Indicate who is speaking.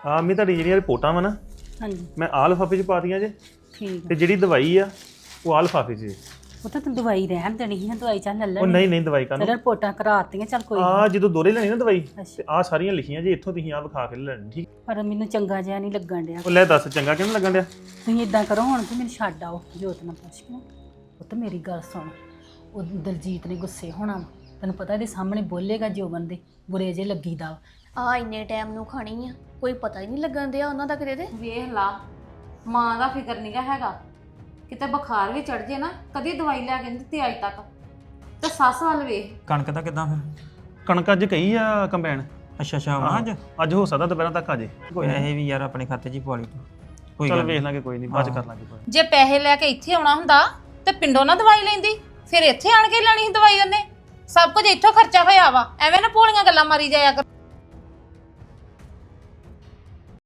Speaker 1: ਆ ਮੈਂ ਤੁਹਾਡੀ ਜਿਹੜੀਆਂ ਰਿਪੋਰਟਾਂ ਵਾ ਨਾ
Speaker 2: ਹਾਂਜੀ
Speaker 1: ਮੈਂ ਆਹ ਲਿਫਾਫੇ 'ਚ ਪਾਤੀਆਂ ਜੇ
Speaker 2: ਠੀਕ
Speaker 1: ਤੇ ਜਿਹੜੀ ਦਵਾਈ ਆ ਉਹ ਆਹ ਲਿਫਾਫੇ 'ਚ ਜੇ।
Speaker 2: ਉਹ ਤਾਂ ਤੂੰ ਦਵਾਈ ਰਹਿਣ ਦੇਣੀ ਸੀ ਦਵਾਈ ਚੱਲ ਲੈ
Speaker 1: ਉਹ
Speaker 2: ਲੈਣੀ
Speaker 1: ਨਹੀਂ ਦਵਾਈ ਕਾਨੂੰ
Speaker 2: ਤੇਰੇ ਰਿਪੋਰਟਾਂ ਕਰਾਤੀਆਂ ਚੱਲ ਕੋਈ
Speaker 1: ਆ ਜਦੋਂ ਦੋਰੇ ਲੈਣੀ ਨਾ ਦਵਾਈ
Speaker 2: ਅੱਛਾ।
Speaker 1: ਤੇ ਆ ਸਾਰੀਆਂ ਲਿਖੀਆਂ ਜੇ ਇੱਥੋਂ ਤੁਸੀਂ ਆ ਵਿਖਾ ਕੇ ਲੈਣੀ ਠੀਕ।
Speaker 2: ਪਰ ਮੈਨੂੰ ਚੰਗਾ ਜਿਹਾ ਨਹੀਂ ਲੱਗਣ ਡਿਆ
Speaker 1: ਉਹ ਲੈ ਦੱਸ ਚੰਗਾ ਕਿਉਂ ਨੀ ਲੱਗਣ ਡਿਆ?
Speaker 2: ਤੁਸੀਂ ਇਦਾਂ ਕਰੋ ਹੁਣ ਕਿ ਮੈਨੂੰ ਛੱਡ ਆਓ ਜੋਤ ਨਾਲ ਪੁੱਛ ਕੇ ਉਹ ਤਾਂ ਮੇਰੀ ਗੱਲ ਸੁਣ ਉਹ ਦਲਜੀਤ ਨੇ ਗੁੱਸੇ ਹੋਣਾ ਵਾ ਤੈਨੂੰ ਪਤਾ ਇਹਦੇ ਸਾਹਮਣੇ ਬੋਲੇਗਾ ਜੋਬਨ ਦੇ ਬੁਰੇ ਜੇ ਲੱਗੀਦਾ ਵਾ।
Speaker 3: ਆ ਇੰਨੇ ਟਾਈਮ ਨੂੰ ਖਾਣੀ ਆ ਕੋਈ ਪਤਾ ਹੀ ਨਹੀਂ ਲੱਗਣ ਦਿਆ ਉਹਨਾਂ ਦਾ ਕਿਤੇ ਤੇ
Speaker 4: ਵੇਖ ਲਾ ਮਾਂ ਦਾ ਫਿਕਰ ਨਹੀਂਗਾ ਹੈਗਾ ਕਿਤੇ ਬੁਖਾਰ ਵੀ ਚੜ ਜੇ ਨਾ ਕਦੀ ਦਵਾਈ ਲੈ ਕੇ ਨਹੀਂ ਦਿੱਤੀ ਅੱਜ ਤੱਕ ਤੇ ਸੱਸ ਵੱਲ ਵੇਖ
Speaker 5: ਕਣਕ ਦਾ ਕਿਦਾਂ ਫਿਰ?
Speaker 1: ਕਣਕ ਅੱਜ ਕਹੀ ਆ ਕੰਬਾਈਨ
Speaker 5: ਅੱਛਾ ਆਉਣਾ ਅੱਜ?
Speaker 1: ਅੱਜ ਹੋ ਸਕਦਾ ਦੁਪਹਿਰਾਂ ਤੱਕ ਆ ਜੇ ਕੋਈ ਨੀ।
Speaker 5: ਪੈਸੇ ਵੀ ਯਾਰ ਆਪਣੇ ਖਾਤੇ 'ਚ ਹੀ ਪਵਾ ਲਈ ਤੂੰ। ਕੋਈ
Speaker 1: ਚੱਲ
Speaker 5: ਗੱਲ
Speaker 1: ਵੇਖ
Speaker 5: ਨੀ।
Speaker 1: ਲਾਂਗੇ ਕੋਈ ਨਹੀਂ ਬਾਅਦ ਚ ਕਰ ਲਾਂਗੇ ਕੋਈ।
Speaker 4: ਜੇ ਪੈਸੇ ਲੈ ਕੇ ਇੱਥੇ ਆਉਣਾ ਹੁੰਦਾ ਤੇ ਪਿੰਡੋਂ ਨਾ ਦਵਾਈ ਲੈਂਦੀ ਫਿਰ ਇੱਥੇ ਆਣ ਕੇ ਲੈਣੀ ਸੀ ਦਵਾਈ ਉਹਨੇ ਸਭ ਕੁਝ ਇੱਥੋਂ ਖਰਚਾ ਹੋਇਆ ਵਾ ਐਵੇਂ ਨਾ ਭੋਲੀਆਂ ਗੱਲਾਂ ਮਾਰੀ ਜਾਇਆ ਕਰ।